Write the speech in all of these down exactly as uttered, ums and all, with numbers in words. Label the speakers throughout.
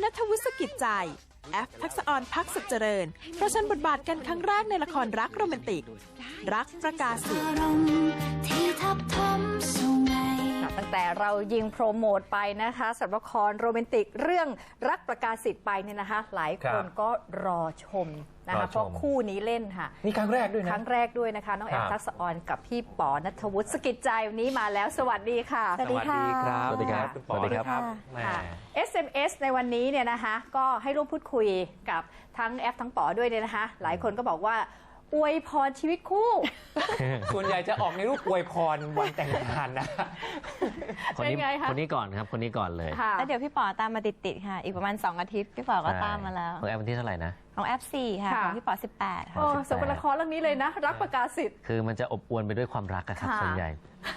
Speaker 1: ฐวุฒิกิจใจแอฟทักษะออนพักสุขเจริญประชันบทบาทกันครั้งแรกในละครรักโรแมนติกรักประกาศสิทธิ์
Speaker 2: ตั้งแต่เรายิงโปรโมทไปนะคะสำหรับละครโรแมนติกเรื่องรักประกาศสิทธิ์ไปเนี่ยนะคะหลายคนก็รอชมนะคะเพราะคู่นี้เล่นค่ะ
Speaker 3: นี่ครั้งแรกด้วยนะ
Speaker 2: ครั้งแรกด้วยนะคะน้องแอฟทักษะออนกับพี่ป๋อณัฐวุฒิสกิจใจวันนี้มาแล้วสวัสดีค่ะ
Speaker 3: สวัสดีครับ
Speaker 4: สวัสดีครับ
Speaker 3: สวัสดีครับ
Speaker 2: เอส เอ็ม เอส ในวันนี้เนี่ยนะคะก็ให้ร่วมพูดคุยกับทั้งแอฟทั้งป๋อด้วยเนี่ยนะคะหลายคนก็บอกว่าอวยพรชีวิตคู่
Speaker 3: ส่วนใหญ่จะออกในรูปอวยพรวันแต่งงานนะ
Speaker 4: คนนี้คนนี้ก่อนครับคนนี้ก่อนเลย
Speaker 5: แล้วเดี๋ยวพี่ป๋อตามมาติดๆค่ะอีกประมาณสองอาทิตย์พี่ป๋อก็ตามมาแล้ว
Speaker 4: ของแอปวันที่เท่าไหร่นะ
Speaker 5: ของแอปสี่ค่ะของพี่ป๋อสิบแปดค่ะ
Speaker 2: โอ้สมเป็นละครเรื่องนี้เลยนะรักประกาศสิทธิ์
Speaker 4: คือมันจะอบอวลไปด้วยความรักครับส่วนใหญ่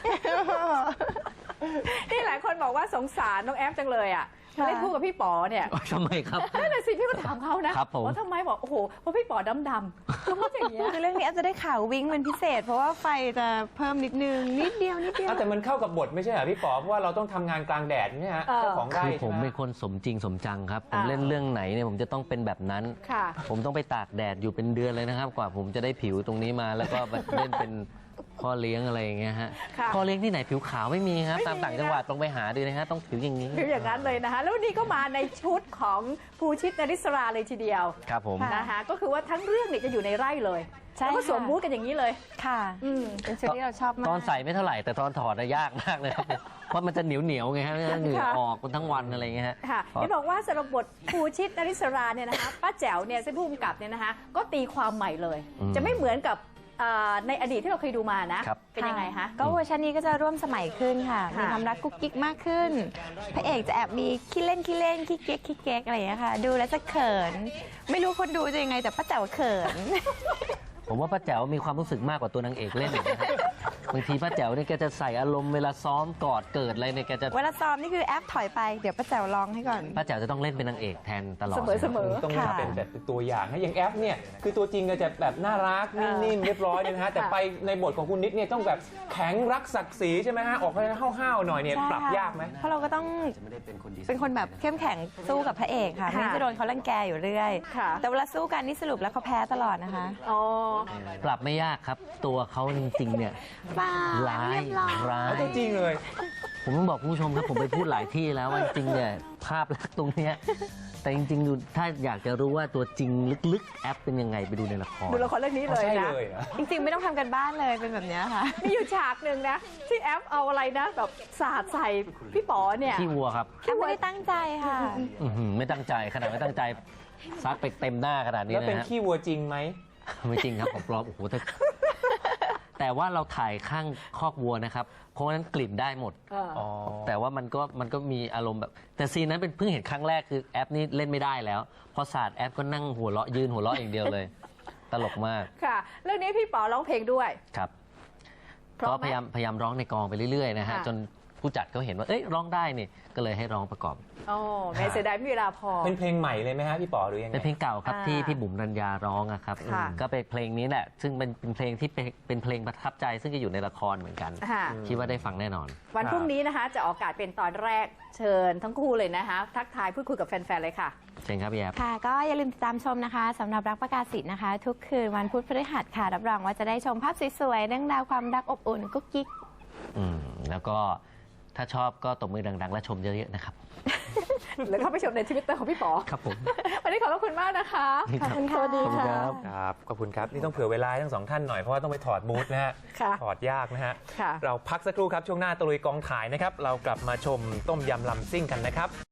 Speaker 2: นี่หลายคนบอกว่าสงสารน้องแอฟจังเลยอ่ะมาเล่นคู่กับพี่ป๋อเนี่ย
Speaker 4: ทำไมครับ
Speaker 2: นั่นแหละสิพี่ก็ถามเขานะว่าทำไมบอกโอ้โหเพราะพี่ป๋อดำดำเขาพูดอย่างเงี้ย
Speaker 5: คือเรื่องนี้แอฟจะได้ข่าววิ่งเป็นพิเศษเพราะว่าไฟจะเพิ่มนิดนึงนิดเดียวนิดเดียว
Speaker 3: แต่มันเข้ากับบทไม่ใช่เหรอพี่ป๋อเพราะว่าเราต้องทำงานกลางแดดเนี่ยฮะเจ้าของไร่
Speaker 4: คือผมเป็นคนสมจริงสมจังครับผมเล่นเรื่องไหนเนี่ยผมจะต้องเป็นแบบนั้นผมต้องไปตากแดดอยู่เป็นเดือนเลยนะครับกว่าผมจะได้ผิวตรงนี้มาแล้วก็เล่นเป็นพ่อเลี้ยงอะไรอย่างเงี้ยฮะพ่อเลี้ยงที่ไหนผิวขาวไม่มีครับตามต่างจังหวัดต้องไปหาดูนะฮะต้องผิวอย่างนี้
Speaker 2: ผิวอย่างนั้นเลยนะคะแล้ววันนี้ก็มาในชุดของภูชิต นริศราเลยทีเดียว
Speaker 4: ครับผม
Speaker 2: นะคะก็คือว่าทั้งเรื่องเนี่ยจะอยู่ในไร่เลยแล้วก็สวมบูทกันอย่างนี้เลย
Speaker 5: ค่ะเป็นชุดที่เราชอบมาก
Speaker 4: ตอนใส่ไม่เท่าไหร่แต่ตอนถอดยากมากเลยครับเพราะมันจะเหนียวเหนียวไงฮะเหงื่อออกทั้งวันอะไรเงี้ยฮะ
Speaker 2: ค่ะที่บอกว่าสำหรับบทภูชิต นริศราเนี่ยนะคะป้าแจ๋วเนี่ยเส้นผู้กำกับเนี่ยนะคะก็ตีความใหม่เลยจะไม่เหมือนกับในอดีตที่เราเคยดูมานะเป็นยังไงคะ
Speaker 5: ก็เวอร์ชันนี้ก็จะร่วมสมัยขึ้นค่ะมีความรักกุ๊กกิ๊กมากขึ้นพระเอกจะแอบมีขี้เล่นขี้เล่นขี้เก๊กขี้เก๊กอะไรอย่างเงี้ยค่ะดูแล้วจะเขินไม่รู้คนดูจะยังไงแต่ป้าแจ๋วเขิน
Speaker 4: ผมว่าป้าแจ๋วมีความรู้สึกมากกว่าตัวนางเอกเล่นอีกนะบางทีป้าแจ๋วเนี่ยแกจะใส่อารมณ์เวลาซ้อมกอดเกิดอะไรเนี่ยแกจะ
Speaker 5: เวลาซ้อมนี่คือแอปถอยไปเดี๋ยวป้าแจ๋วร้องให้ก่อน
Speaker 4: ป้าแจ๋วจะต้องเล่นเป็นนางเอกแทนตลอด
Speaker 2: เสมอ
Speaker 3: ต้องเป็นแบบตัวอย่างให้อย่างแอปเนี่ยคือตัวจริงก็จะแบบน่ารักนิ่มๆเรียบร้อยนะฮะแต่ไปในบทของคุณนิดเนี่ยต้องแบบแข็งรักศักดิ์ศรีใช่ไหมฮะออกไปห้าวๆหน่อยเนี่ยปรับยากไหม
Speaker 5: เพราะเราก็ต้องเป็นคนแบบเข้มแข็งสู้กับพระเอกค่ะไม่จะโดนเขารังแกอยู่เรื่อยแต่เวลาสู้กันนี่สรุปแล้วเขาแพ้ตลอดนะคะ
Speaker 2: อ๋อ
Speaker 4: ปรับไม่ยากครับตัวเขาจริงๆเนี่ยร้ายร้าย
Speaker 3: จริงเลย
Speaker 4: ผมต้องบอกผู้ชมครับผมไปพูดหลายที่แล้วว่าจริงเนี่ยภาพลักษณ์ตรงเนี้ยแต่จริงๆดูถ้าอยากจะรู้ว่าตัวจริงลึกๆแอปเป็นยังไงไปดูในละคร
Speaker 2: ดูละครเรื่องนี้เลยนะ
Speaker 5: จริงๆไม่ต้องทำกันบ้านเลยเป็นแบบนี้ค่ะ
Speaker 2: มีอยู่ฉากหนึ่งนะที่แอปเอาอะไรนะแบบสาดใส่พี่ป๋อเนี่ย
Speaker 4: ขี้วัวครับ
Speaker 5: แอปไม่ได้ตั้งใจค่ะ
Speaker 4: ไม่ตั้งใจขนาดไม่ตั้งใจซัดไปเต็มหน้าขนาดนี้นะ
Speaker 3: แล้วเป็นขี้วัวจริงไหม
Speaker 4: ไม่จริงครับผมปลอมโอ้โหแต่ว่าเราถ่ายข้างคอกวัวนะครับเพราะฉะนั้นกลิ่นได้หมดแต่ว่ามันก็มันก็มีอารมณ์แบบแต่ซีนนั้นเป็นเพิ่งเห็นครั้งแรกคือแอปนี่เล่นไม่ได้แล้วพอศาสตร์แอปก็นั่งหัวเราะยืนหัวเราะอย่างเดียวเลยตลกมาก
Speaker 2: ค่ะเรื่องนี้พี่ป๋อร้องเพลงด้วย
Speaker 4: ครับก็พยายามพยายามร้องในกองไปเรื่อยๆนะฮะจนผู้จัดเขาเห็นว่าเอ้ยร้องได้นี่ก็เลยให้ร้องประกอบ
Speaker 2: อ๋อไม่เสียดายไม่มีเวลาพอ
Speaker 3: เป็นเพลงใหม่เลยไหมฮะพี่ป๋อหรือยังไง
Speaker 4: เป็นเพลงเก่าครับที่พี่บุ๋มรัญญาร้องครับก็เป็นเพลงนี้แหละซึ่งเป็นเป็นเพลงที่เป็นเพลงประทับใจซึ่งจะอยู่ในละครเหมือนกันคิดว่าได้ฟังแน่นอน
Speaker 2: วันพรุ่งนี้นะคะจะออกอากาศเป็นตอนแรกเชิญทั้งคู่เลยนะคะทักทายพูดคุยกับแฟนๆเลยค่ะ
Speaker 4: เชิญครับพี่แอฟ
Speaker 5: ค่ะก็อย่าลืมติดตามชมนะคะสำหรับรักประกาศสิทธิ์นะคะทุกคืนวันพุธพฤหัสค่ะรับรองว่าจะได้ชมภาพสวยๆเรื่องราวความรักอบอุ่นกุ๊กกิ๊ก
Speaker 4: อืมแล้วก็ถ้าชอบก็ตบมือดังๆและชมเยอะๆนะครับ
Speaker 2: หรือเข้าไปชมในทวิตเตอร์ของพี่ป๋อ
Speaker 4: ครับผม
Speaker 2: วันนี้ขอบคุณมากนะคะ
Speaker 5: ขอบคุณค่ะสวัสดีค่ะ
Speaker 3: ครับขอบคุณครับนี่ต้องเผื่อเวลาทั้งสองท่านหน่อยเพราะว่าต้องไปถอดบูธนะฮะถอดยากนะฮะเราพักสักครู่ครับช่วงหน้าตะลุยกองถ่ายนะครับเรากลับมาชมต้มยำลำซิ่งกันนะครับ